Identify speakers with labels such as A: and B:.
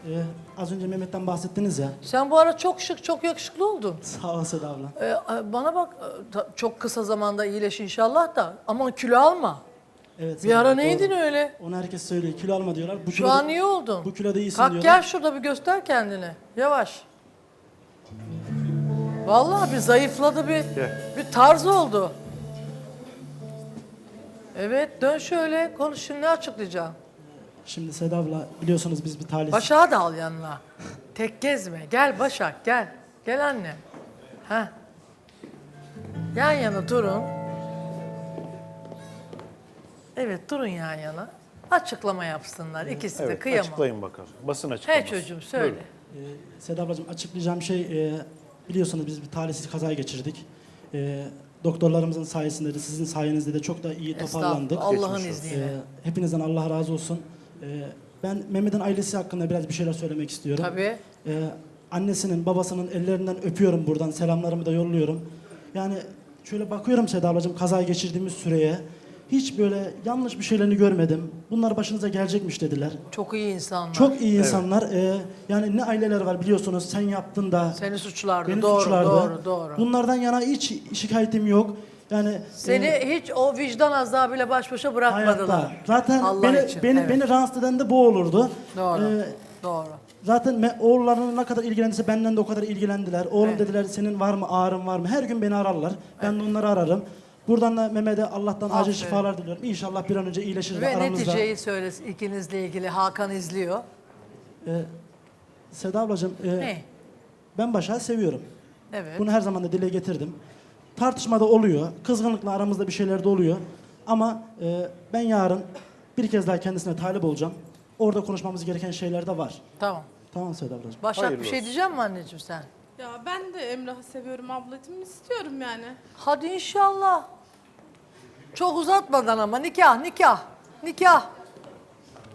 A: Az önce Mehmet'ten bahsettiniz ya.
B: Sen bu ara çok şık, çok yakışıklı oldun.
A: Sağ ol Seda abla.
B: Bana bak, çok kısa zamanda iyileş inşallah da. Ama kilo alma.
A: Evet,
B: Bir
A: Seda
B: ara
A: abla,
B: neydin
A: doğru.
B: öyle?
A: Onu herkes söylüyor. Kilo alma diyorlar. Bu
B: Şu
A: kiloda-
B: an iyi oldun.
A: Bu kiloda iyisin
B: Kalk
A: diyorlar.
B: gel şurada bir göster kendini. Yavaş. Vallahi bir zayıfladı, bir tarz oldu. Evet, dön şöyle, konuş şimdi, ne açıklayacaksın?
A: Şimdi Seda abla biliyorsunuz biz bir talihsiz.
B: Başak'ı da al yanına. Tek gezme. Gel Başak, gel. Gel anne. Heh. Yan yana durun. Evet, durun yan yana. Açıklama yapsınlar. İkisi de
C: Evet,
B: kıyamam.
C: açıklayın bakalım. Basın açıklaması.
B: He çocuğum, söyle.
A: Seda ablacığım açıklayacağım şey biliyorsunuz biz bir talihsiz kaza geçirdik. Doktorlarımızın sayesinde de sizin sayenizde de çok da iyi toparlandık.
B: Estağfurullah, Allah'ın
C: Geçmiş olsun.
B: izniyle.
A: Hepinizden Allah razı olsun. Ben Mehmet'in ailesi hakkında biraz bir şeyler söylemek istiyorum.
B: Tabii.
A: Annesinin, babasının ellerinden öpüyorum buradan. Selamlarımı da yolluyorum. Yani şöyle bakıyorum Seda ablacığım kazayı geçirdiğimiz süreye. Hiç böyle yanlış bir şeylerini görmedim. Bunlar başınıza gelecekmiş dediler.
B: Çok iyi insanlar.
A: Çok iyi insanlar. Yani ne aileler var biliyorsunuz. Sen yaptın da.
B: Seni suçlardı.
A: Beni
B: Doğru,
A: suçlardı.
B: doğru, doğru.
A: Bunlardan yana hiç şikayetim yok. Yani
B: Seni hiç o vicdan azabıyla baş başa bırakmadılar.
A: hayatta. Zaten
B: Allah için,
A: beni,
B: evet.
A: beni rahatsız eden de bu olurdu.
B: Doğru,
A: Ee,
B: doğru.
A: Zaten oğullarına ne kadar ilgilendiyse benden de o kadar ilgilendiler. Oğlum
B: Evet.
A: dediler senin var mı ağrın var mı? Her gün beni ararlar. Ben de onları ararım. Buradan da Mehmet'e Allah'tan acil
B: Aferin.
A: şifalar diliyorum. İnşallah bir an önce iyileşir de
B: Ve
A: aramızda.
B: neticeyi söylesin ikinizle ilgili. Hakan izliyor.
A: Seda ablacığım
B: Ne?
A: ben Başak'ı seviyorum.
B: Evet.
A: Bunu her zaman da dile getirdim. Tartışmada oluyor. Kızgınlıkla aramızda bir şeyler de oluyor. Ama ben yarın bir kez daha kendisine talip olacağım. Orada konuşmamız gereken şeyler de var.
B: Tamam.
A: Tamam Seda ablacığım.
B: Başak
C: Hayırlı
B: bir şey
C: olsun.
B: diyecek mi anneciğim sen?
D: Ya ben de Emrah'ı seviyorum ablacığım. İstiyorum yani.
B: Hadi inşallah. Çok uzatmadan ama nikah, nikah, nikah.